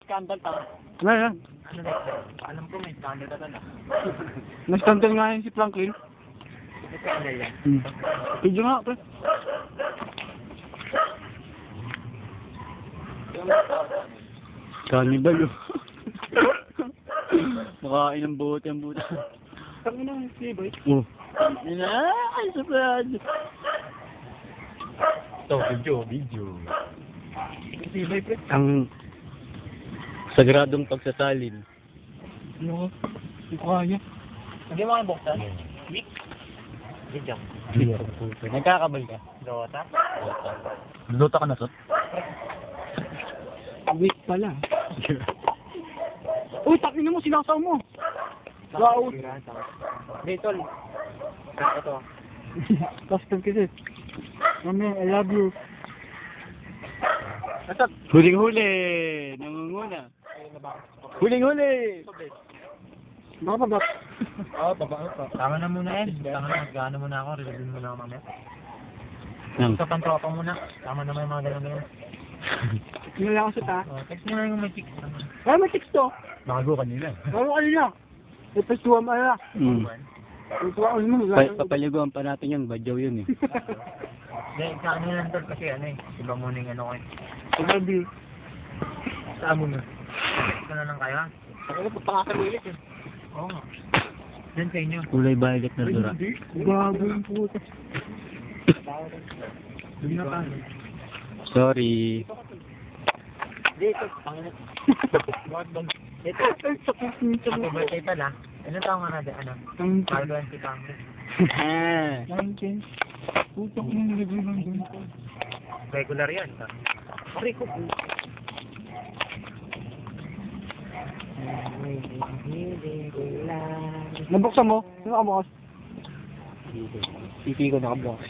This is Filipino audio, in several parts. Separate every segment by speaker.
Speaker 1: scandal ta.
Speaker 2: Ano yan?
Speaker 1: Ano na? Alam ko may scandal ka na.
Speaker 2: Na-scandal nga yun si Franklin.
Speaker 1: May scandal yan.
Speaker 2: Video nga, pre. Cannibal, oh. Makain ng buhot yung buta.
Speaker 1: Kami na yung flavor.
Speaker 2: Oh. Yun na, ay, surprise.
Speaker 1: Ito, video. Flavor, pre.
Speaker 2: Ang sagradong pagsasalin.
Speaker 1: Ano? Hindi ko kaya. Hindi mo kaya buksan? Week? Video.
Speaker 2: Nagkakabal ka?
Speaker 1: Dota?
Speaker 2: Luluta ka na, Sot?
Speaker 1: Week pala.
Speaker 2: Uy, takin mo, sinasaw mo.
Speaker 1: Wow. Dito. Ito.
Speaker 2: Custom kasi. Mami, I love you.
Speaker 1: Nasab?
Speaker 2: Huling-huli. Nangunguna. Huling-huli. Baka pa ba?
Speaker 1: Oo, baba pa. Tama na muna yan. Tama na, mag-ano muna ako. Reviewin muna ako mamaya.
Speaker 2: Nang.
Speaker 1: Sa pantropa muna. Tama naman yung mga ganun-ganun.
Speaker 2: Yun lang ako sa ta.
Speaker 1: Text mo na yung may chicks.
Speaker 2: Ay, may text to.
Speaker 1: Nakago kanila.
Speaker 2: Ano kanina? Ipestuwa mo ala. Ipestuwa ko mo. Papaliguan pa natin yun. Badyaw yun eh.
Speaker 1: Hindi, sa ano lang tol kasi ano eh. Iba muna yung ano ko eh.
Speaker 2: Pag-review.
Speaker 1: Saan mo na? Ito na lang kayo.
Speaker 2: Ako na pagpakakamilit eh.
Speaker 1: Oo nga. Diyan sa inyo.
Speaker 2: Kulay violet na dura. Gago yung puta.
Speaker 1: Doon na tayo.
Speaker 2: Sorry.
Speaker 1: Dito, pangit. Dito. Happy birthday pala. Ano taong nga natin? Ano? Pagawin si Pangit.
Speaker 2: Putak mo nilagay lang doon.
Speaker 1: Regular yan. Pari ko po.
Speaker 2: Nabuksan mo? Sino ka bukas? Pipi ko nakabukas.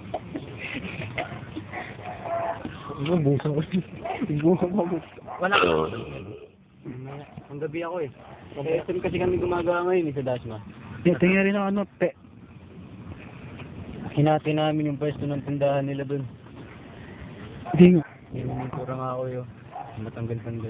Speaker 1: Ano, busan ko. Wala ka.
Speaker 2: Ang gabi ako eh. SM kasi kami gumagawa ngayon eh sa Dasma. Tingnan rin ang ano, hinati namin yung pwesto ng tindahan nila dun. Hindi nga. Yung kurang ako yun. Matanggal-tanggal.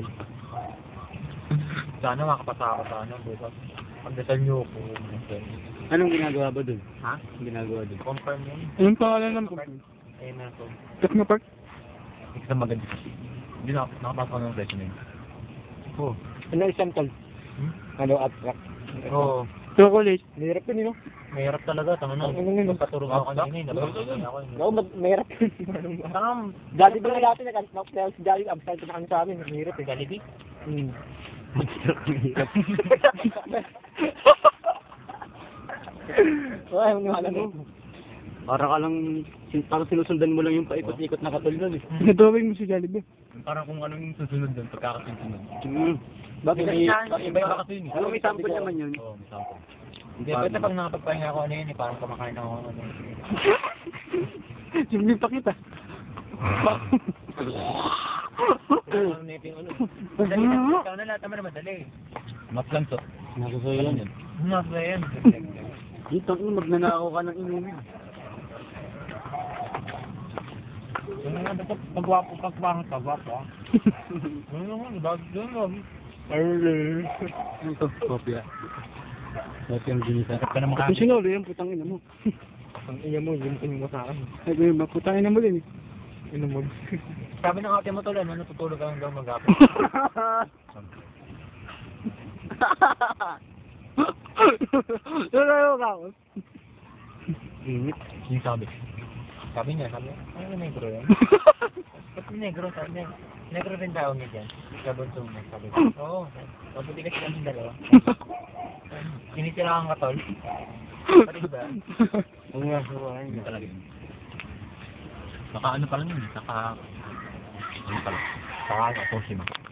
Speaker 1: Sana makapasa ako sa ano, bukas. Pagdasal niyo ako.
Speaker 2: Anong ginagawa ba dun?
Speaker 1: Ha?
Speaker 2: Anong ginagawa dun?
Speaker 1: Confirm yun.
Speaker 2: Anong pangalan ng
Speaker 1: company? Ayun na ako.
Speaker 2: Techno Park?
Speaker 1: Hindi na maganda kasi. Hindi na nakapasok ko ng resume. Oo.
Speaker 2: Ano isang tol? Ano abstract?
Speaker 1: Oo.
Speaker 2: Chocolate. Mahirap yun, no?
Speaker 1: Mahirap talaga, tama na. Patulog ako kanina, nabagay ako.
Speaker 2: Oo, mahirap yun.
Speaker 1: Tama,
Speaker 2: Dati ba na dati nag-knock si Daddy, absent na kami sa amin. Mahirap eh.
Speaker 1: Jollibee?
Speaker 2: Mahirap. Ay, maniwala mo. Parang sinusundan mo lang yung paikot-ikot na katol nun eh. Nadrawing mo si Jollibee.
Speaker 1: Parang kung anong susunod doon, pagkakasunod.
Speaker 2: Bakit
Speaker 1: Iba kasi yun.
Speaker 2: Ano, may sample naman yun?
Speaker 1: Oo, may sample. Hindi, basta pag nakapagpahinga ako ano yun eh, parang kumakain ako ano yun.
Speaker 2: Simple pa kita.
Speaker 1: Ano na yung ano. Madali na, ikaw na lahat naman na madali.
Speaker 2: Mas lang to. Nakasayo yan.
Speaker 1: Mas na yan.
Speaker 2: Dito, magnanakaw ka ng inumin.
Speaker 1: Ano nga, dapat pagwapo, pagpangit, pagwapo ah. Ano naman, bakit doon mo?
Speaker 2: Ano to? Kopya. Kopya ang ginisa.
Speaker 1: Dapat ka na makakita.
Speaker 2: Kung sinolo yan, putang ina mo.
Speaker 1: Ang iya mo, yun mo sa akin.
Speaker 2: Ay, ba, putang ina mo din eh.
Speaker 1: Ino mo. Sabi ng ate mo tuloy, natutulog ka hanggang mag-apit.
Speaker 2: Ano ka ako?
Speaker 1: Init. Yung sabi. Sabi niya, ano negro yan? Ba't negro? Sabi niya, negro rin daw niya dyan. Sabon sumo, sabi ko. Oo, mabuti kasi kami dalawa. Sinisira ang katol. Pati ba?
Speaker 2: Oo nga, suwain.
Speaker 1: Talaga yun. Saka ano pa lang yun, saka... Ano pala? Saka Toshima.